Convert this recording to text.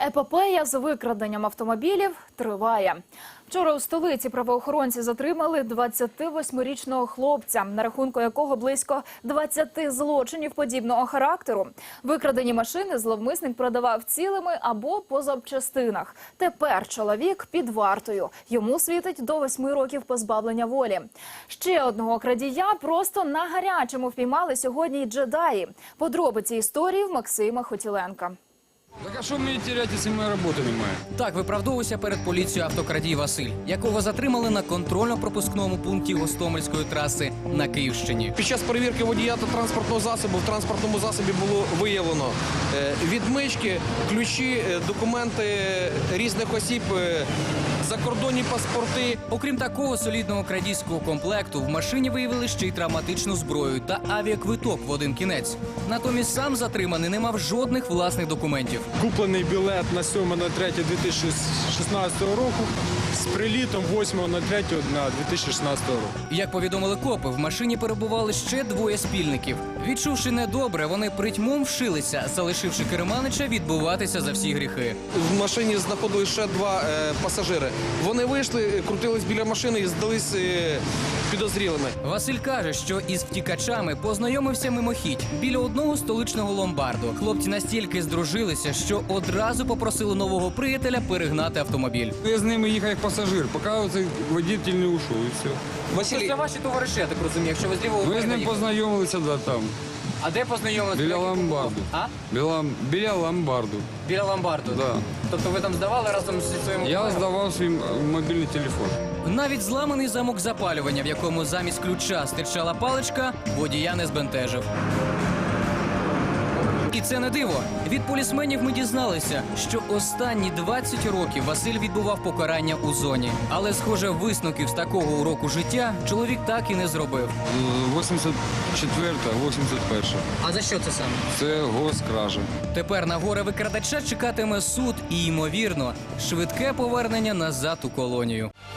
Епопея з викраденням автомобілів триває. Вчора у столиці правоохоронці затримали 28-річного хлопця, на рахунку якого близько 20 злочинів подібного характеру. Викрадені машини зловмисник продавав цілими або по запчастинах. Тепер чоловік під вартою. Йому світить до 8 років позбавлення волі. Ще одного крадія просто на гарячому впіймали сьогодні й джедаї. Подробиці історії в Максима Хотіленка. Так а що мені теряти, якщо моя робота немає? Так виправдовувався перед поліцією автокрадій Василь, якого затримали на контрольно-пропускному пункті Гостомельської траси на Київщині. Під час перевірки водія та транспортного засобу в транспортному засобі було виявлено відмички, ключі, документи різних осіб, закордонні паспорти. Окрім такого солідного крадійського комплекту, в машині виявили ще й травматичну зброю та авіаквиток в один кінець. Натомість сам затриманий не мав жодних власних документів. Куплений білет на 7.03.2016 року з прилітом 8.03.2016 року. Як повідомили копи, в машині перебували ще двоє спільників. Відчувши недобре, вони притьмом вшилися, залишивши керманича відбуватися за всі гріхи. В машині знаходились ще два пасажири. Вони вийшли, крутились біля машини і здались підозрілими. Василь каже, що із втікачами познайомився мимохідь біля одного столичного ломбарду. Хлопці настільки здружилися, що одразу попросили нового приятеля перегнати автомобіль. Я з ними їхав як пасажир, поки цей водитель не ушов і все. Василь, це ваші товариші, я так розумію, якщо ви з лівого Ми з ним познайомилися там, А де познайомилися? біля ломбарду. А? Біля ломбарду. Біля ломбарду? Да. Тобто ви там здавали разом зі своїм... Я здавав свій мобільний телефон. Навіть зламаний замок запалювання, в якому замість ключа стирчала паличка, водія не збентежив. І це не диво. Від полісменів ми дізналися, що останні 20 років Василь відбував покарання у зоні. Але, схоже, висновків з такого уроку життя чоловік так і не зробив. 84-та, 81-та. А за що це саме? Це госкража. Тепер на горе викрадача чекатиме суд і, ймовірно, швидке повернення назад у колонію.